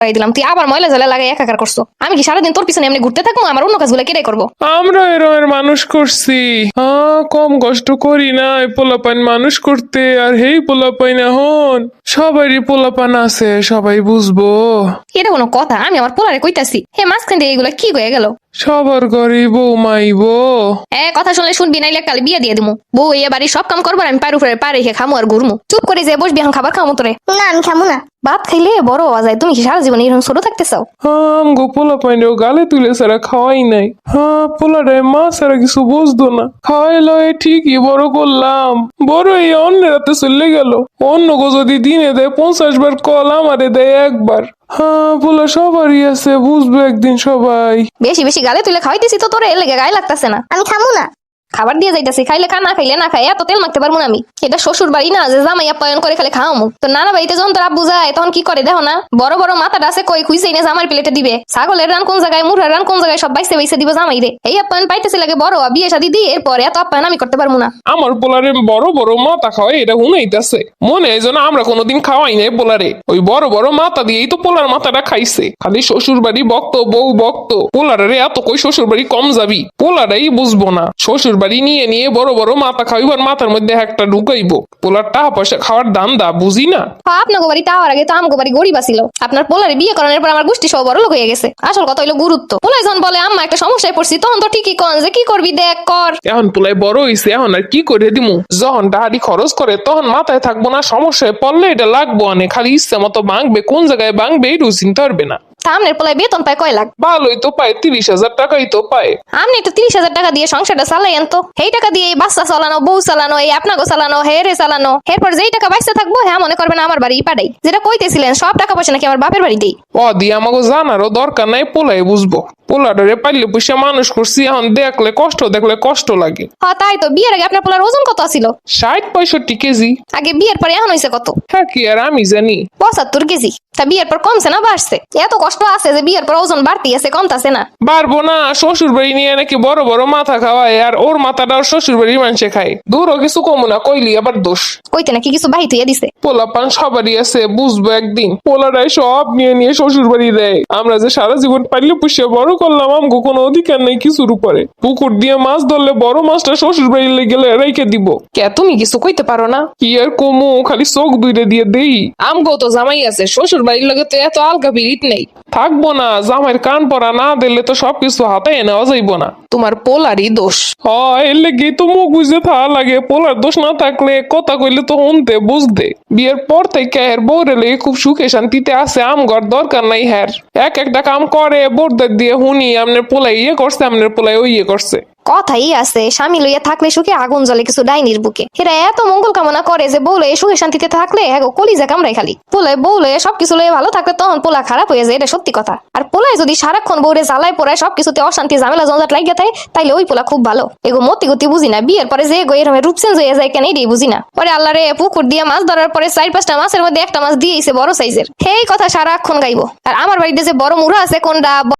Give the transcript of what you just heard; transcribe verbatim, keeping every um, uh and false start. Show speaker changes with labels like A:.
A: দিলাম, তুই আবার ময়লা ঝালা লাগাই একাকার করছো। আমি কি সারাদিন তোর পিছনে এমনি ঘুরতে থাকবো? আমার অন্য কাজগুলো কেটে করবো।
B: আমরা এরমের মানুষ করছি, হ্যাঁ কম কষ্ট করি না এই পোলাপান মানুষ করতে। আর হেই পোলাপান এখন সবারই পোলাপান আছে, সবাই বুঝবো।
A: এটা কোনো কথা? আমি আমার পোলারে কইতাছি, হে মাঝখান দিয়ে এগুলো কি হয়ে গেল?
B: সবার ঘরে বউ মাইবো।
A: এ কথা শুনলে শুনবি, নাইলে কালে বিয়ে দিয়ে দিমু। বউ এই বাড়ির সব কাম করবো, আমি পার উপরে পা রেখে খামু আর ঘুরমু। চুপ করে যে বসবি, এখন খাবার খামু তোরে।
C: না আমি খামু না।
A: ভাত খাইলে বড় হওয়া যায়, তুমি কি সারা জীবন এরকম ছোট থাকতে চাও?
B: হাম গো পোলাপাইনেও গালে তুলে সারা খাওয়াই নাই। হ্যাঁ পোলাটাই মা সারা কিছু বুঝতো না, খাওয়াই লয় ঠিকই বড় করলাম। বড় এই অন্যের হাতে চলে গেল। অন্য গো যদি দিনে দেয় পঞ্চাশ বার কল, আমারে দেয় একবার। হ্যাঁ পোলা সবারই আছে, বুঝবে একদিন সবাই।
A: বেশি বেশি গালে তুলে খাওয়াইতেছি তো তোরে, এর লেগে গায়ে লাগতেছে না।
C: আমি খামু না।
A: খাবার দিয়ে যাইতেছি, খাইলে খা, না খাইলে না খাই। এত তেল মাখতে পারবো না আমি। এটা শ্বশুর বাড়ি না যে জামাই আপ্যায়ন করে খালি খাওয়ামু। তো নানা বাড়িতে যখন তোর আব্বু যায় তখন কি করে দেখো না? বড় বড় মাথাটা আছে কই, খুঁজেই না জামার প্লেটে দিবে। ছাগলের রান কোন জায়গায়, মুরহার রান কোন জায়গায়, সব বাইসে বাইসে দিব জামাই রে। এই আপ্যায়ন পাইতেছে লাগে বড়, বিয়ে শাদী দিয়ে এরপরে এত আপ্যায়ন আমি করতে পারবো না।
B: আমার পোলারে বড় বড় মাথা খাওয়াই, এটা হুনাইতেছে মনে হয় যেন আমরা কোনোদিন খাওয়াই নাই পোলারে। ওই বড় বড় মাথা দিয়েই তো পোলার মাথাটা খাইছে। খালি শ্বশুর বাড়ি বক্ত, বউ বক্ত। পোলারে এত কই শ্বশুর বাড়ি কম যাবি, পোলারাই বুঝবো না। শ্বশুর বাড়ি নিয়ে নিয়ে বড় বড় মাথা খাইবার, মাথার মধ্যে একটা ঢুকাইবো। পোলার টাকা পয়সা খাওয়ার দাম দা বুঝি না।
A: আপনার বাড়ি তাওয়ার আগে তো আমগো বাড়ি গরিব আছিল। আপনার পোলারে বিয়ে করানোর পর আমার গোষ্ঠী সব বড় লোক হয়ে গেছে। আসল কথা হইলো গুরুত্ব। পোলাই যখন বলে আম্মা একটা সমস্যায় পড়ছি, তখন তো ঠিকই কন যে কি করবি দেখ কর।
B: এখন পোলাই বড় হইছে, এখন আর কি করে দিমু? যখন টাহারি খরচ করে তখন মাথায় থাকবো না, সমস্যায় পড়লে এটা লাগবো অনেক। খালি ইচ্ছে মতো ভাঙবে, কোন জায়গায় ভাঙবে এই চিনতে পারবে না।
A: সামনের পোলায় বেতন পায় কয় লাখ?
B: ভালোই তো পায়, তিরিশ হাজার টাকাই তো পায়।
A: আপনি একটু তিরিশ হাজার টাকা দিয়ে সংসারটা চালাইয়েন তো। এই টাকা দিয়ে এই বাচ্চা চালানো, বউ চালানো, এই আপনাকে চালানো, হেরে চালানো। এরপর যেই টাকা বাইসে থাকবো, হ্যাঁ মনে করবেন আমার বাড়ি পাঠাই। যেটা কইতেছিলেন সব টাকা পয়সা নাকি আমার বাপের বাড়ি দেই।
B: ও দিয়ে আমাকে জানারও দরকার নাই, পোলাই বুঝবো। পোলাডারে পাইলে পয়সা মানুষ করছি, এখন দেখলে কষ্ট, দেখলে কষ্ট লাগে।
A: হ্যাঁ তাই তো। বিয়ের আগে আপনার পোলার ওজন কত ছিল?
B: ষাট পঁয়ষট্টি কেজি।
A: আগে বিয়ের পরে এখন হয়েছে কত?
B: হ্যাঁ কি আর আমি জানি।
A: পঁচাত্তর কেজি। তা বিয়ের পর কমছে না বাড়ছে? এত কষ্ট আছে যে বিয়ের পর ওজন বাড়তি আছে, কমতাছে না।
B: পারবো না, শ্বশুর বাড়ি নিয়ে নাকি বড় বড় মাথা খাওয়ায়, আর ওর মাথাটা ওর শ্বশুর বাড়ির মানুষে খায়। দূরও কিছু কমু না, কইলি আবার দোষ।
A: কইতে নাকি কিছু বাহিত হইয়া দিছে।
B: পোলা পান সবারই আছে, বুঝবো একদিন। পোলারাই সব নিয়ে নিয়ে শ্বশুর বাড়ি দেয়। আমরা যে সারা জীবন পাইলে পুষিয়ে বড় করলাম, আমগো কোনো অধিকার নেই কিছুর উপরে। পুকুর দিয়ে মাছ ধরলে বড় মাছটা শ্বশুর বাড়ি গেলে রেখে দিব। কে তুমি কিছু কইতে পারো না? কি আর কমু, খালি চোখ দুইটা দিয়ে দেই। আমগো তো জামাই আছে, শ্বশুর বাড়ির লগে তো এত আলগা বিরিত নেই। থাকবো না, জামাইয়ের কান পড়া না দিলে তো সবকিছু হাতে নেওয়া যাইবো না। তোমার পোলারই দোষ। হয় এর লেগে তো মুখ বুঝে থাকা লাগে। পোলার দোষ না থাকলে কথা কইলে তো শুনতে বুঝতে। বিয়ের পর থেকে হের বউরে লেগে খুব সুখে শান্তিতে আছে, আমগর দরকার নাই হের। এক একটা কাম করে বোরদের দিয়ে শুনি, আমনের পোলাই ইয়ে করছে, আমনের পোলাই ওই ইয়ে করছে।
A: কথাই আছে, স্বামী লইয়া থাকলে সুখে আগুন জ্বলে কিছু ডাইনির বুকে। এরা এত মঙ্গল কামনা করে যে বউ লয়ে সুখে শান্তিতে থাকলে হ্যাঁ কলিজা কামড়াই খালি। পোলায় বউ লয়ে সবকিছু লয়ে ভালো থাকলে তখন পোলা খারাপ হয়ে যায়, এটা সত্যি কথা। আর পোলায় যদি সারাক্ষণ বউরে জ্বালায় পড়ায় সবকিছুতে অশান্তি ঝামেলা জঞ্জাট লাগিয়ে থাকে, তাইলে ওই পোলা খুব ভালো। এগো মতি গতি বুঝি না, বিয়ের পরে যে গো এরকম রূপ চেঞ্জ হয়ে যায় কেন এটাই বুঝি না। পরে আল্লাহ রে পুকুর দিয়ে মাছ ধরার পরে চার পাঁচটা মাছের মধ্যে একটা মাছ দিয়েছে বড় সাইজের, সেই কথা সারাক্ষণ গাইবো। আর আমার বাড়িতে যে বড় মুড়া আছে কোনটা